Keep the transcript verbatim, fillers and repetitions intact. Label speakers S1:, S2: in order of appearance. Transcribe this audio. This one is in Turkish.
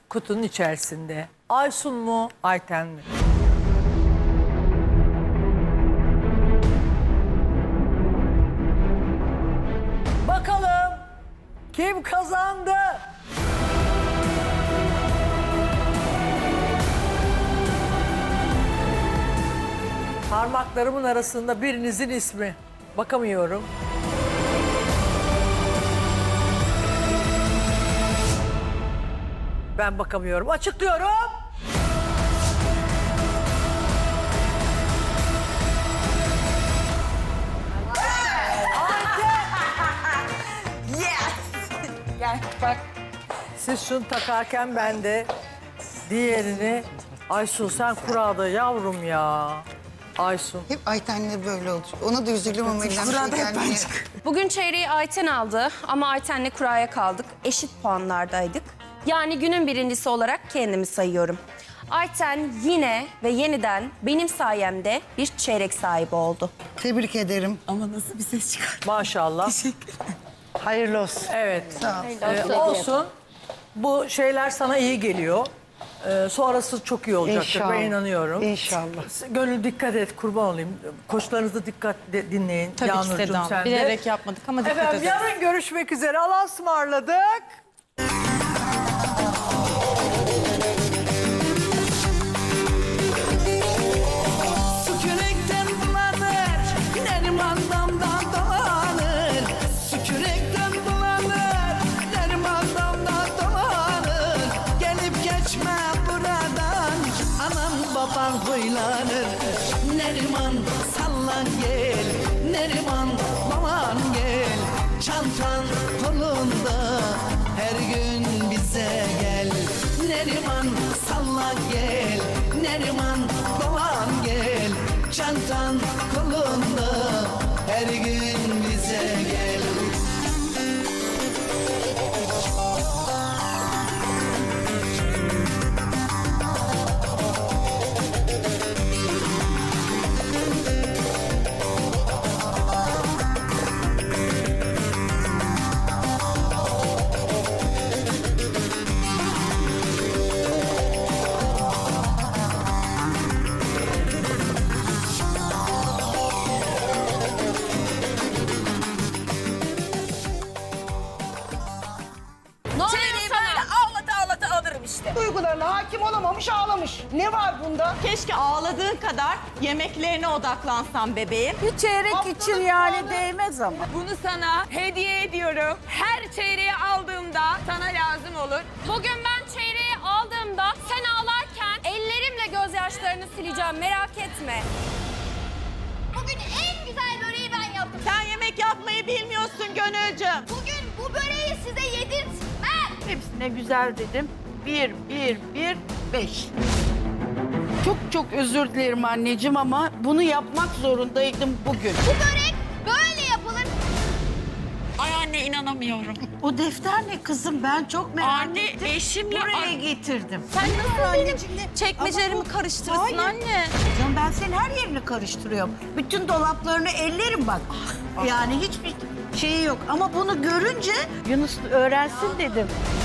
S1: kutunun içerisinde. Aysun mu, Ayten mi? Bakalım kim kazandı? Parmaklarımın arasında birinizin ismi. Bakamıyorum. Ben bakamıyorum. Açıklıyorum.
S2: Gel bak.
S1: Siz şunu takarken ben de diğerini... Aysun sen kurada yavrum ya. Aysun.
S3: Hep Ayten'le böyle oldu. Ona da üzüldüm ama elimden bir şey gelmiyor.
S4: Bugün çeyreği Ayten aldı ama Ayten'le kuraya kaldık. Eşit puanlardaydık. Yani günün birincisi olarak kendimi sayıyorum. Ayten yine ve yeniden benim sayemde bir çeyrek sahibi oldu.
S3: Tebrik ederim.
S2: Ama nasıl bir ses çıkar?
S1: Maşallah.
S3: Hayırlı olsun.
S1: Evet.
S3: Sağ ol.
S1: Ee, olsun. Bu şeyler sana iyi geliyor. Ee, sonrası çok iyi olacaktır.
S3: İnşallah.
S1: Ben inanıyorum.
S3: İnşallah.
S1: Gönül dikkat et, kurban olayım. Koçlarınızı dikkat de- dinleyin.
S2: Tabii ki
S1: Yağnurcuğum,
S2: Seda
S1: sen
S2: Hanım.
S1: de.
S2: Bilerek yapmadık ama dikkat
S1: Efendim
S2: ederiz.
S1: yarın görüşmek üzere. Allah'a ısmarladık.
S5: Sükürekten bulanır, Neriman damdan dolanır. Sükürekten bulanır, Neriman damdan dolanır. Gelip geçme buradan, anam baban huylanır. Neriman sallan gel, Neriman baban gel. Çantan kolunda, her gün bize gel. Neriman sallan gel, Neriman baban gel. Çantan kolunda, her gün bize gel.
S4: Ne oluyor sana?
S2: Ağlata ağlata alırım işte.
S6: Duygularına hakim olamamış, ağlamış. Ne var bunda?
S2: Keşke ağladığın kadar yemeklerine odaklansan bebeğim.
S6: Bir çeyrek için yani değmez ama.
S7: Bunu sana hediye ediyorum. Her çeyreği aldığımda sana lazım olur.
S4: Bugün ben çeyreği aldığımda sen ağlarken ellerimle gözyaşlarını sileceğim, merak etme.
S8: Bugün en güzel böreği ben yaptım.
S2: Sen yemek yapmayı bilmiyorsun Gönülcüm.
S8: Bugün bu böreği size yedirtmem.
S6: Hepsine güzel dedim. Bir, bir, bir, beş. Çok çok özür dilerim anneciğim ama bunu yapmak zorundaydım bugün.
S8: Bu börek böyle yapılır.
S2: Ay anne inanamıyorum.
S6: O defter ne kızım? Ben çok merak
S2: Anne,
S6: ettim.
S2: eşimle-
S6: Buraya
S2: Ay-
S6: getirdim.
S2: Sen nasıl benim çekmecelerimi
S6: Ama bu-
S2: karıştırırsın
S6: Hayır.
S2: anne?
S6: Canım ben senin her yerini karıştırıyorum. Bütün dolaplarını ellerim bak. Yani hiçbir şeyi yok. Ama bunu görünce Yunus öğrensin dedim.